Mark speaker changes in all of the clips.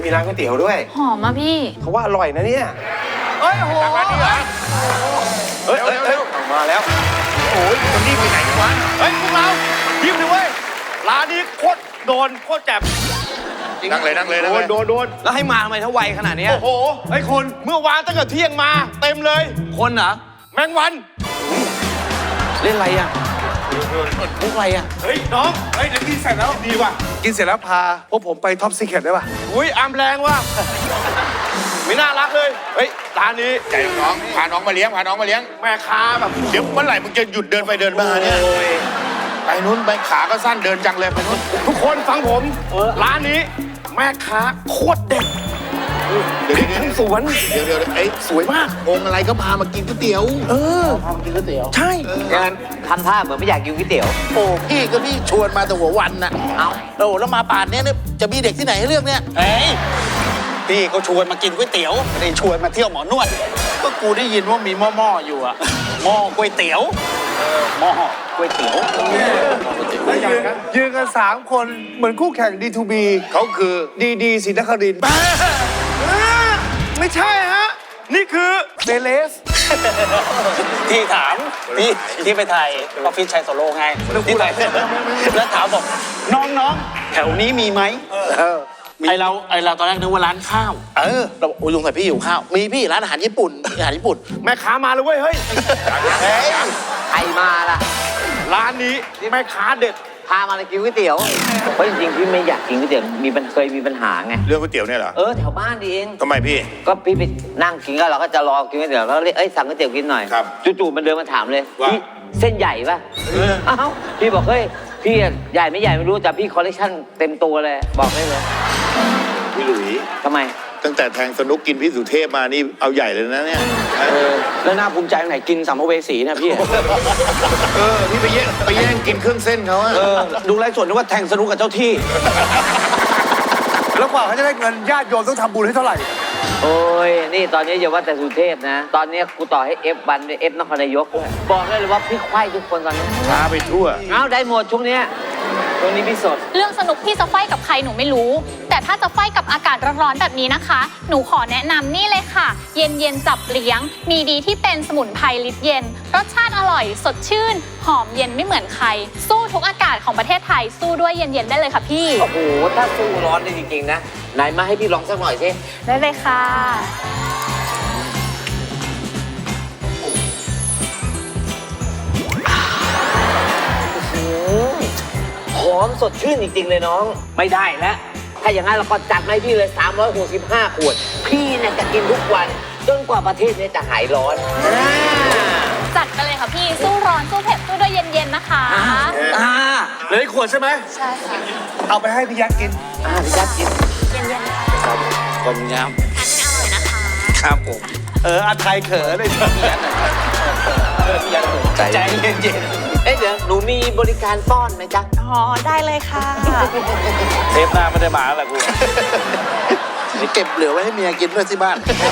Speaker 1: มีร้านก๋วยเตี๋ยวด้วย
Speaker 2: หอมอ่ะพี่
Speaker 1: เขาว่าอร่อยนะเนี่ย
Speaker 3: เฮ้ยโหร้านนี้เหรอ
Speaker 1: เฮ้ยมาแล้ว
Speaker 3: โอ้ยคนนี้ไปไหนกันวะเฮ้ยพวกเรายิ้มเลยเว้ยร้านนี้โคตรโดนโคตรแจ่มนั่งเลยโดน
Speaker 4: แล้วให้มาทำไมถ้าไวขนาดนี้
Speaker 3: โอ้โหไอ้คนเมื่อวานตั้งแต่เที่ยงมาเต็มเลย
Speaker 4: คนเหรอ
Speaker 3: แมงวัน
Speaker 4: เล่นอะไรอ่ะมุกอะไรอ่ะ
Speaker 3: เฮ้ยน้องเฮ้ยเดี๋ยวกินเสร็จแล้วดีว่ะ
Speaker 1: กินเสร็จแล้วพาพวกผมไปท็อปซีเคร็ตได้ป่ะ
Speaker 3: อุ้ยอามแรงว่ะไม่น่ารักเลยเฮ้ยร้านนี้
Speaker 5: ใจน้องพาน้องมาเลี้ยง
Speaker 3: แม่ค้าแบบ
Speaker 5: เดี๋ยวเมื่อไหร่มึงจะหยุดเดินไปเดินมาเนี่ยไปนู้นไปขาก็สั้นเดินจังเลยไปนู้น
Speaker 3: ทุกคนฟังผมร้านนี้แม่ค้าโคตรเด็ด
Speaker 5: เดี๋ยว
Speaker 3: ทั้งสวน
Speaker 5: ไอ้
Speaker 3: สวยมาก
Speaker 5: องค์อะไรก็พามากินก๋วยเตี๋ยว
Speaker 3: ใช่
Speaker 6: งั้นทำท่าเหมือนไม่อยากกินก๋วยเตี๋ยว
Speaker 7: โอ้พี่ก็พี่ชวนมาแต่หัววันน่ะ
Speaker 6: เอา
Speaker 7: โอ้แล้วมาป่านเนี้ยเนี่ยจะมีเด็กที่ไหนให้เลือกเนี่ย
Speaker 4: เฮ้ยพี่เขาชวนมากินก๋วยเตี๋ยวไม่ได้ชวนมาเที่ยวหมอนวด
Speaker 7: ก็กูได้ยินว่ามีหม้อๆอยู่อะ
Speaker 4: หม้อก๋วยเตี๋ยวหม้อก๋วยเตี๋ยว
Speaker 1: ยืนกัน3 คนเหมือนคู่แข่ง D2B
Speaker 5: เขาคือ
Speaker 1: ดีศรีนครินทร์
Speaker 3: ไม่ใช่ฮะนี่คือ
Speaker 1: เซเลส
Speaker 4: ที่ถามที่ไปถ่ายออฟฟิศชัยโซโลไงที่ถ่ายเสร็จแล้วถามบอกน้องๆแถวนี้มีไหม
Speaker 7: ไอเราตอนแรกนึกว่าร้านข้าวเราบอกโอ้ยสงสัยพี่อยู่ข้าวมีพี่ร้านอาหารญี่ปุ่น
Speaker 3: แม่ค้ามาเลยเว้ยเฮ้ย
Speaker 6: ใครมาล่ะ
Speaker 3: ร้านนี้แม่ค้าเด็ด
Speaker 6: พามาเลยกินก๋วยเตี๋ยวเพราะจริงๆพี่ไม่อยากกินก๋วยเตี๋ยวเคยมีปัญหาไง
Speaker 5: เรื่องก๋วยเตี๋ยวเนี่ยเหรอ
Speaker 6: แถวบ้านดีเอง
Speaker 5: ทำไมพี่
Speaker 6: ก็พี่ไปนั่งกินก็เราก็จะรอกินก๋วยเตี๋ยวแล้วเรียกสั่งก๋วยเตี๋ยวกินหน่อย
Speaker 5: ครับ
Speaker 6: จู่ๆมันเดินมาถามเลย
Speaker 5: ว่า
Speaker 6: พี่เส้นใหญ่ป่ะเอ้าพี่บอกเฮ้ยพี่ใหญ่ไม่ใหญ่ไม่รู้แต่พี่คอลเลคชั่นเต็มตัวเลยบอกได้เลย
Speaker 5: พี่หลุย
Speaker 6: ทำไม
Speaker 5: ตั้งแต่แทงสนุกกินพี่สุเทพมานี่เอาใหญ่เลยนะเนี่ย
Speaker 4: แล้วน่าภูมิใจตรงไหนกินสัมภเวสีเนี่ยพี่
Speaker 5: พี่ไปแย่งกินเครื่องเส้นเขาอะ
Speaker 4: ดูไลฟ์สดนึกว่าแทงสนุกกับเจ้าที่
Speaker 1: แล้วกว่าเขาจะได้เงินญาติโยมต้องทำบุญให้เท่าไหร่
Speaker 6: โอ้ยนี่ตอนนี้อย่าว่าแต่สุเทพนะ ตอนนี้กูต่อให้เอฟบันด้วยเอฟนครนายกด้วยบอกได้เลยว่าพี่ควายทุกคนตอนนี้
Speaker 5: พาไปทั่ว
Speaker 6: เอาได้หมดช่วงเนี้ยช่วงนี้พี่สด
Speaker 2: เรื่องสนุกพี่จะไฟกับใครหนูไม่รู้ แต่ถ้าจะไฟกับอากาศร้อนๆแบบนี้นะคะ หนูขอแนะนำนี่เลยค่ะ เย็นเย็นจับเลี้ยง มีดีที่เป็นสมุนไพรลิตรเย็น รสชาติอร่อยสดชื่น หอมเย็นไม่เหมือนใคร สู้ทุกอากาศของประเทศไทย สู้ด้วยเย็นๆได้เลยค่ะพี่
Speaker 6: โอ้โหถ้าสู้ร้อนได้จริงๆนะไหนมาให้พี่ลองสักหน่อยสิ
Speaker 2: ได้เลยค่ะ
Speaker 6: หอมสดชื่นจริงๆเลยน้อง ไม่ได้แล้วถ้าอย่างนั้นเราก็จัดมาให้พี่เลย365 ขวด พี่เนี่ยจะกินทุกวันจนกว่าประเทศนี้จะหายร้อน
Speaker 2: จัดไปเลยค่ะพี่ สู้ร้อนสู้เผ็ดสู้ด้วยเย็นๆนะคะ
Speaker 3: เหลืออีกขวดใช่ไหม
Speaker 2: ใช่ค่ะ
Speaker 1: เอาไปให้พี่ยักษ์กิน
Speaker 6: พี่ยัดกิน
Speaker 2: เย็นๆค่ะ
Speaker 4: ขอบคุณครับ
Speaker 2: ทานให้อร่อยนะคะ
Speaker 4: ครับผมอาไทยเขินเลยใจเย็น
Speaker 6: เอ๊ะเดี๋ยวหนูมีบริการป้อนไหมจ๊ะ
Speaker 2: อ๋อ ได้เลยค่ะ
Speaker 4: ๆเทปหน้าไม่ได้มาแล้วแหละกู
Speaker 7: นี่เก็บเหลือไว้ให้เมียกินด้วยที่บ้าน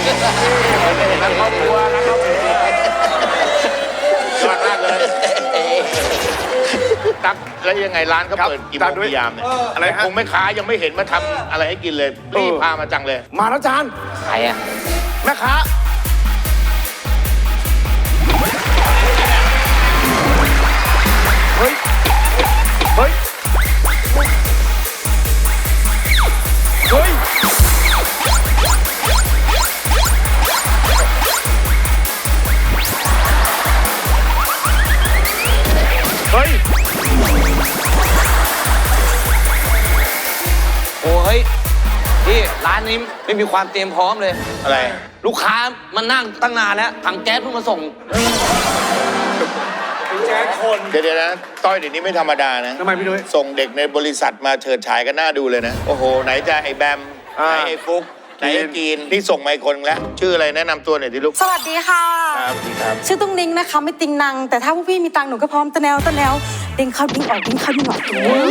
Speaker 5: ยอดมากเลยตักแล้วยังไงร้านเขาเปิดกี่โมงกี่ยามเนี่ย
Speaker 3: อะไรฮะ
Speaker 5: คงไม่ค้ายังไม่เห็นมาทำอะไรให้กินเลยรีบพามาจังเลย
Speaker 3: มาแล้วจาน
Speaker 6: ใครอะ
Speaker 3: แม่ค้า เฮ้ย เฮ้ย เฮ้ย เฮ้ย
Speaker 4: โอ้ยพี่ร้านนี้ไม่มีความเตรียมพร้อมเลย
Speaker 5: อะไร
Speaker 4: ลูกค้ามานั่งตั้งนานแล้วถังแก๊สเพิ่งมาส่ง
Speaker 3: แจ๊คคน
Speaker 5: เดี๋ยวนะต้อยเดี๋ยวนี้ไม่ธรรมดานะ
Speaker 1: ทำไมพี่นุ้ย
Speaker 5: ส่งเด็กในบริษัทมาเฉิดฉายกันหน้าดูเลยนะ โอ้โห ไหนจะไอ้แบม ไหนไอ้ฟุก ไหนไอ้กีน นี่ส่งมาอีกคนแล้ว ชื่ออะไรแนะนำตัวหน่อยดิลูก
Speaker 8: สวัสดีค่ะ
Speaker 5: ครับดีครับ
Speaker 8: ชื่อตุ้งนิ้งนะคะ ไม่ติงนัง แต่ถ้าพวกพี่มีตังค์หนูก็พร้อมตะแนวดิ้งเข้าดิ้งออกดิ้งเข้าดิ้งออก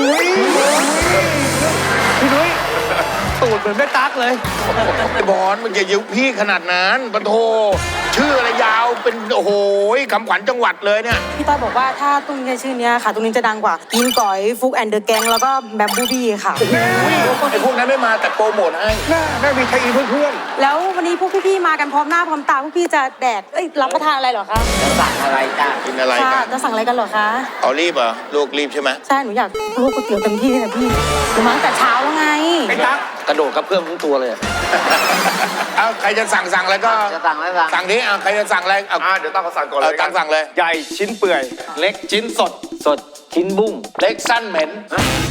Speaker 1: พี่นุ้ยตูดเหมือนแม่ตั๊กเลย
Speaker 5: ไอ้บอลมึงอย่ายุพี่ขนาดนั้นปะโทชื่ออะไรยาวเป็นโอ้โหคำขวัญจังหวัดเลยเนี่ย
Speaker 8: พี่ต้อยบอกว่าถ้าตุ้งใช้ชื่อเนี้ยค่ะตุ้งนี้จะดังกว่ากินก๋อยฟุกแอนเดอร์แกงแล้วก็แบมบูบี้ค่ะ
Speaker 5: ไอ้พวกนั้นไม่มาแต่โปรโมทให้
Speaker 1: แม่มีไทยอินเพื่อน
Speaker 8: แล้ววันนี้พวกพี่ๆมากันพร้อมหน้าพร้อมตาพวกพี่จะแดกรับประทานอะไรเหรอคะ
Speaker 6: จะสั่งอะไรจ้า
Speaker 5: กินอะไร
Speaker 8: ค่ะ
Speaker 5: กัน
Speaker 8: จะสั่งอะไรกันเหรอคะ
Speaker 5: เอารีบเหรอลูกรีบใช่ไหม
Speaker 8: ใช่หนูอยากลวกก๋วยเตี๋ยวเต็มที่เลยนะพี่หนูมาตั้งแต่เช้าแล้วไง
Speaker 1: ไอ้ตั๊ก
Speaker 4: กระโดดกระเพื่อมทั้งตัวเลย
Speaker 5: เอาใครจะสั่งอะไรก็
Speaker 6: จะสั่งอะไรสั่ง
Speaker 5: สั่งนี้ใครจะสั่งอะไรเอา
Speaker 3: เดี๋ยวตั้งเขาสั่งก่อนเลย
Speaker 5: ตั้งสั่งเลย
Speaker 3: ใหญ่ชิ้นเปื่อย
Speaker 4: เล็กชิ้นสด
Speaker 6: สดชิ้นบุ้ง
Speaker 5: เล็กสั้นเหม็น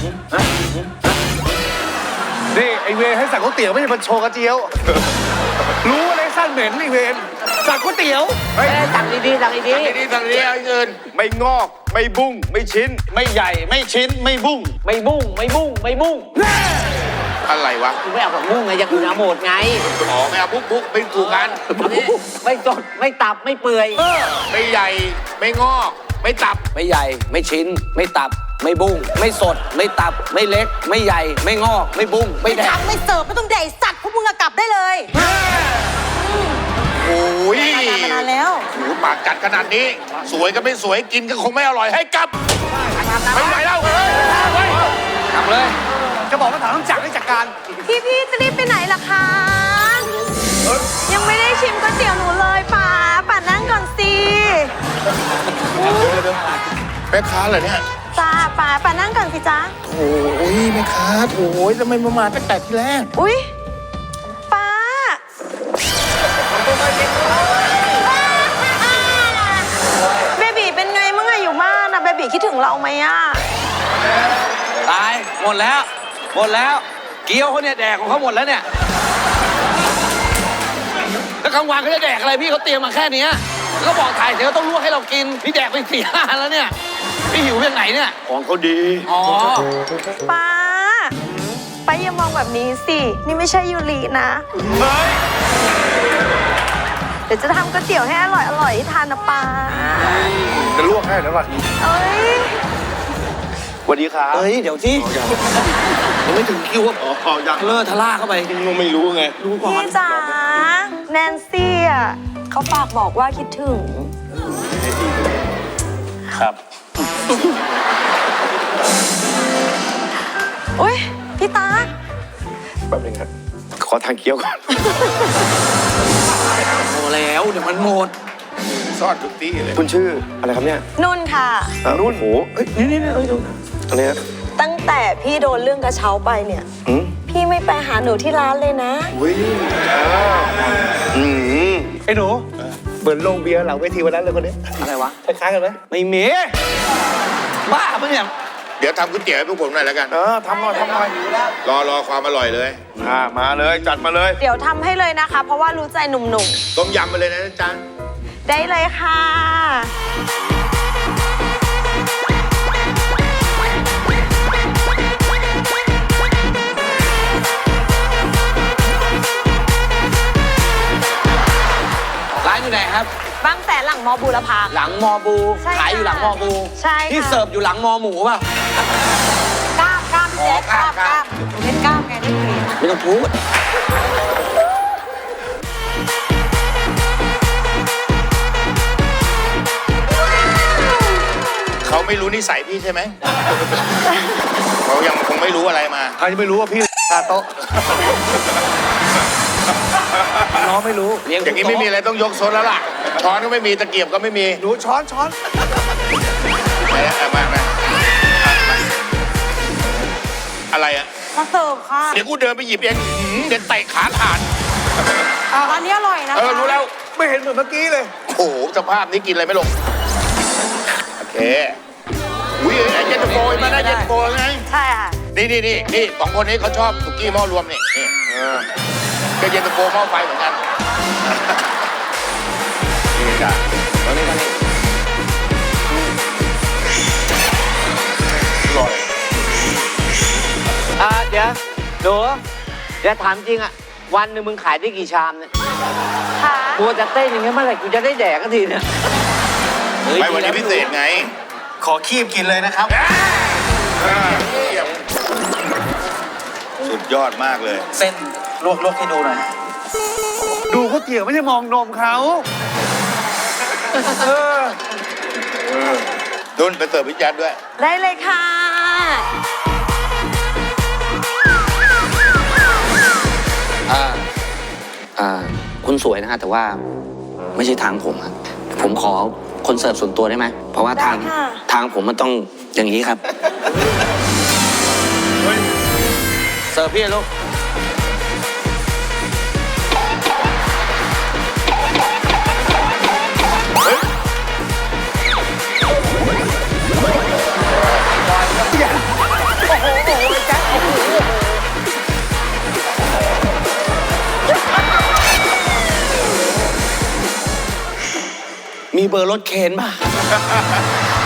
Speaker 1: นี่ไอเวรให้สั่งก๋วยเตี๋ยวไม่ใช่มาโชว์กระเจียว รู้อะไรสั้นเหม็นไอเวรสั่งก๋วยเตี๋ยว
Speaker 6: สั่งดีๆสั่งดี
Speaker 5: สั่งดีเอาเงิน
Speaker 3: ไม่งอกไม่บุ้งไม่ชิ้น
Speaker 4: ไม่ใหญ่ไม่ชิ้นไม่บุ้ง
Speaker 6: ๆไม่บุ้งไม่บุ้งไม่บุ้ง
Speaker 5: อะไรวะ
Speaker 6: คุณไม่เอาผักบุ้งไงอย่างอื่นเอาหมดไง
Speaker 5: อ๋อไม่เอาบุ๊กเป็นถูกกัน
Speaker 6: ไม่สดไม่ตับไม่เปื่อย
Speaker 5: ไม่ใหญ่ไม่งอกไม่ตับ
Speaker 9: ไม่ใหญ่ไม่ชิ้น ไม่ตับ ไม่บุ้งไม่สด ไม่ตับ ไม่เล็ก ไม่ใหญ่ ไม่งอก ไม่บุ้งไม่แด
Speaker 8: ไม่
Speaker 9: ก
Speaker 8: ทำไม่เสิร์ฟไม่ต้องแดกสัตว์พวกมึงอะกลับได้เลย
Speaker 5: โอ้ย
Speaker 8: มานานแล้ว
Speaker 5: โอ้โหปากจัดขนาดนี้ สวยก็ไม่สวยกินก็คงไม่อร่อยให้กลับไม่ไหวแล้วเฮ้ย
Speaker 9: กลับเลย
Speaker 1: จะบอกว่าถามต้องจักรให้จัดการ
Speaker 8: พี่จะรีบไปไหนล่ะคะ ยังไม่ได้ชิมก๋วยเตี๋ยวหนูเลยป่านั่งก่อนสิ
Speaker 5: แม่ค้าเหรอเนี่ย
Speaker 8: จ้าป่านั่งก่อนสิจ้า
Speaker 5: โอ้ยแม่ค้าโอ้ยทำไมมาตั้งแต่ที่แรก
Speaker 8: อุ๊ยป้าเบบีเป็นไงมั่งอะอยู่บ้านอะเบบีคิดถึงเราไหมอะ
Speaker 9: ตาย หมดแล้ว หมดแล้ว เกี๊ยวเขาเนี่ยแดกของเขาหมดแล้วเนี่ย แล้วกลางวันเขาจะแดกอะไรพี่เขาเตรียมมาแค่เนี้ยก็บอกถ่ายเสร็จก็ต้องลวกให้เรากิน พี่แดกไป4-5 อันแล้วเนี่ย พี่หิวยังไงเนี่ย
Speaker 3: ของเขาดี
Speaker 9: อ๋อ
Speaker 8: ป้าอย่ามองแบบนี้สิ นี่ไม่ใช่ยูรินะ เดี๋ยวจะทำก๋วยเตี๋ยวให้อร่อยให้ทานนะป้า
Speaker 1: จะลวกให้แล้วก่อน
Speaker 8: เอ้ย
Speaker 3: สวัสดีครับ
Speaker 9: เฮ้ย เดี๋ยวที่ยังไม่ถึงคิวว่า
Speaker 3: อ๋อยัง
Speaker 9: เลอะทะล่าเข้าไป
Speaker 3: ไม่รู้ไง
Speaker 9: ดูก่อน
Speaker 8: พี่จ๋าแนนซี่อ่ะเขาฝากบอกว่าคิดถึง
Speaker 4: ครับ
Speaker 8: อุ้ยพี่ตา
Speaker 3: แป๊บนึงครับ ขอทางเคี้ยวก่อน
Speaker 9: พอแล้วเดี๋ยวมันหมด
Speaker 5: ซ่อนทุกที่เลย
Speaker 3: คุณชื่ออะไรครับเนี่ย
Speaker 8: นุ่นค่ะ
Speaker 3: นุ่นโหเอ้ยนี่อะไรนะ
Speaker 8: ตั้งแต่พี่โดนเรื่องกระเช้าไปเนี่ย
Speaker 3: อืม
Speaker 8: พี่ไม่ไปหาหนูที่ร้านเลยนะ
Speaker 3: อุ้ยอืม
Speaker 1: ไอ้หนูเหมือนโรงเบียร์หลังเวทีวันนั้นเลยคนนี้
Speaker 9: อะไรวะ
Speaker 1: คล้ายๆกันไหม
Speaker 9: ไม่มีบ้าปะเนี่ย
Speaker 5: เดี๋ยวทำก๋วยเตี๋ยวให้พวกผมหน่อยแล้วกัน
Speaker 3: ทำหน่อย
Speaker 5: รอความอร่อยเลย
Speaker 3: มาเลยจัดมาเลย
Speaker 8: เดี๋ยวทำให้เลยนะคะ เพราะว่ารู้ใจหนุ่ม
Speaker 5: ต้มยำไปเลยนะจ๊ะ
Speaker 8: ๆ ได้เลยค่ะ
Speaker 9: ร้านอยู่ไหนครับ
Speaker 8: บางแสนหลังมอบูรพา
Speaker 9: หลังมอบู
Speaker 8: ใช่ค่ะ
Speaker 9: ขายอยู่หลังมอบู
Speaker 8: ใช่ค่ะ
Speaker 9: ที่เสิร์ฟอยู่หลังมอหมูป่ะ
Speaker 8: กล้ามพี่แจ๊คกล้ามเล่นกล้ามไงได้กรีน
Speaker 9: ไม่ต้องพูด
Speaker 5: เขาไม่รู้นิสัยพี่ใช่ไหม เขายังคงไม่รู้อะไรมา
Speaker 1: ใครจะไม่รู้ว่าพี่คาโต๊ะน้องไม่รู้
Speaker 9: เลี้ยง
Speaker 5: อย่างนี้ไม่มีอะไรต้องยกซดแล้วล่ะ ช้อนก็ไม่มีตะเกียบก็ไม่มี
Speaker 1: หนูช้อน
Speaker 5: มาอะไรอ่ะ
Speaker 8: มาเสิร์ฟค่ะ
Speaker 5: เดี๋ยวกูเดินไปหยิบเองเดี๋ยวเตะขาขาด
Speaker 8: ร้านนี้อร่อยนะคะ
Speaker 5: รู้แล้ว
Speaker 1: ไม่เห็นเหมือนเมื่อกี้เลย
Speaker 5: โอ้โหสภาพนี้กินอะไรไม่ลง โอเคอุ้ยไอ้เย็นตาโฟมาได้เย็นตาโฟไง
Speaker 8: ใช่ค่ะ
Speaker 5: นี่สองคนนี้เขาชอบสุกี้หม้อรวมนี่ก็เย็นตาโฟหม้อไฟเหมือนกันนี่จ้ะตอนนี้อร่อย
Speaker 6: เดี๋ยวหนูเดี๋ยวถามจริงอะวันหนึ่งมึงขายได้กี่ชามเนี่ย
Speaker 8: ค่ะ
Speaker 6: กูจะเต้นอย่างเงี้ยเมื่อไหร่กูจะได้แดกกันทีเนี่ย
Speaker 5: ไม่วันนี้พิเศษไง
Speaker 4: ขอคีบกินเลยนะครับ
Speaker 5: สุดยอดมากเลย
Speaker 4: เส้นลวกให้ดูหน่อย
Speaker 1: ดูก๋วยเตี๋ยวไม่ใช่มองนมเขา
Speaker 5: เนุ่นไปเสิร์ฟพี่แจ๊ดด้วย
Speaker 8: ได้เลยค่ะ
Speaker 6: คุณสวยนะฮะแต่ว่าไม่ใช่ทางผมครับผมขอคนเสิร์ฟส่วนตัวได้ไหมเพราะว่าทางผมมันต้องอย่างนี้ครับ
Speaker 4: เสิร์ฟพี่ลูก
Speaker 6: มีเบอร์รถเคนป่ะ